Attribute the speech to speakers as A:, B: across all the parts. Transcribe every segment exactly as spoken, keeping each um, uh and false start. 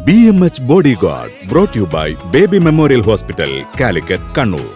A: B M H bodyguard brought you by Baby Memorial Hospital, Calicut, Kannur.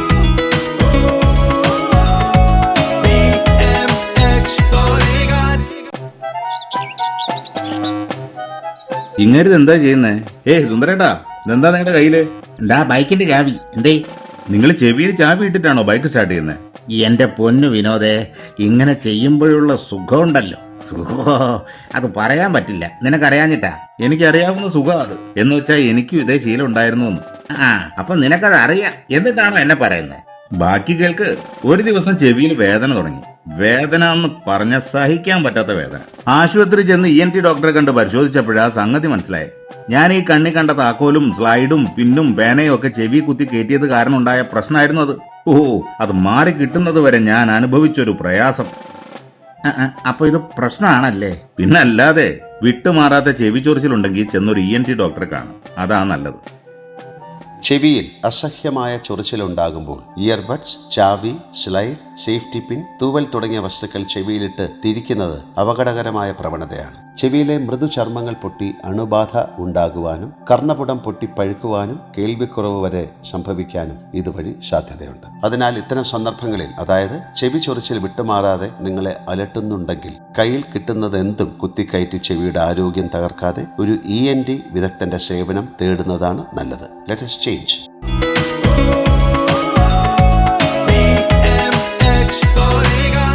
B: ഇങ്ങേര് എന്താ ചെയ്യുന്നേ? ഏയ് സുന്ദരേട്ടാ, ഇതെന്താ നിങ്ങളുടെ കയ്യില്?
C: എന്താ ബൈക്കിന്റെ ചാവി? എന്തേ?
B: നിങ്ങൾ ചെവിയിൽ ചാവി ഇട്ടിട്ടാണോ ബൈക്ക് സ്റ്റാർട്ട് ചെയ്യുന്നത്?
C: എന്റെ പൊന്നു വിനോദേ, ഇങ്ങനെ ചെയ്യുമ്പോഴുള്ള സുഖമുണ്ടല്ലോ, ഓ അത് പറയാൻ പറ്റില്ല. നിനക്കറിയാഞ്ഞിട്ടാ?
B: എനിക്കറിയാവുന്ന സുഖം അത്. എന്ന് വെച്ചാൽ എനിക്കും ഇതേ ശീലം ഉണ്ടായിരുന്നു.
C: ആ അപ്പൊ നിനക്കത് അറിയാം, എന്നിട്ടാണോ എന്നെ പറയുന്നത്?
B: ബാക്കി കേൾക്ക്. ഒരു ദിവസം ചെവിയിൽ വേദന തുടങ്ങി. വേദന എന്ന് പറഞ്ഞ സഹിക്കാൻ പറ്റാത്ത വേദന. ആശുപത്രി ചെന്ന് ഇ എൻ ടി ഡോക്ടറെ കണ്ട് പരിശോധിച്ചപ്പോഴാ സംഗതി മനസ്സിലായി. ഞാൻ ഈ കണ്ണി കണ്ട താക്കോലും സ്ലൈഡും പിന്നും പേനയും ഒക്കെ ചെവി കുത്തി കയറ്റിയത് കാരണം ഉണ്ടായ പ്രശ്നമായിരുന്നു അത്. ഓ അത് മാറി കിട്ടുന്നത് വരെ ഞാൻ അനുഭവിച്ചൊരു പ്രയാസം.
C: അപ്പൊ ഇത് പ്രശ്നമാണല്ലേ?
B: പിന്നല്ലാതെ. വിട്ടുമാറാത്ത ചെവി ചൊറിച്ചിലുണ്ടെങ്കിൽ ചെന്നൊരു ഇ എൻ ടി ഡോക്ടറെ കാണും, അതാ നല്ലത്.
D: ചെവിയിൽ അസഹ്യമായ ചൊറിച്ചിലുണ്ടാകുമ്പോൾ ഇയർബഡ്സ്, ചാവി, സ്ലൈഡ്, സേഫ്റ്റി പിൻ, തൂവൽ തുടങ്ങിയ വസ്തുക്കൾ ചെവിയിലിട്ട് തിരിക്കുന്നത് അപകടകരമായ പ്രവണതയാണ്. ചെവിയിലെ മൃദുചർമ്മങ്ങൾ പൊട്ടി അണുബാധ ഉണ്ടാകുവാനും കർണപുടം പൊട്ടി പഴുക്കുവാനും കേൾവിക്കുറവ് വരെ സംഭവിക്കാനും ഇതുവഴി സാധ്യതയുണ്ട്. അതിനാൽ ഇത്തരം സന്ദർഭങ്ങളിൽ, അതായത് ചെവി ചൊറിച്ചിൽ വിട്ടുമാറാതെ നിങ്ങളെ അലട്ടുന്നുണ്ടെങ്കിൽ, കയ്യിൽ കിട്ടുന്നത് എന്തും കുത്തിക്കയറ്റി ചെവിയുടെ ആരോഗ്യം തകർക്കാതെ ഒരു ഇ എൻ ടി വിദഗ്ധന്റെ സേവനം തേടുന്നതാണ് നല്ലത്. Let us change.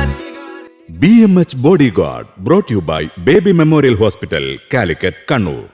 A: B M H bodyguard brought you by Baby Memorial Hospital, Calicut, Kannur.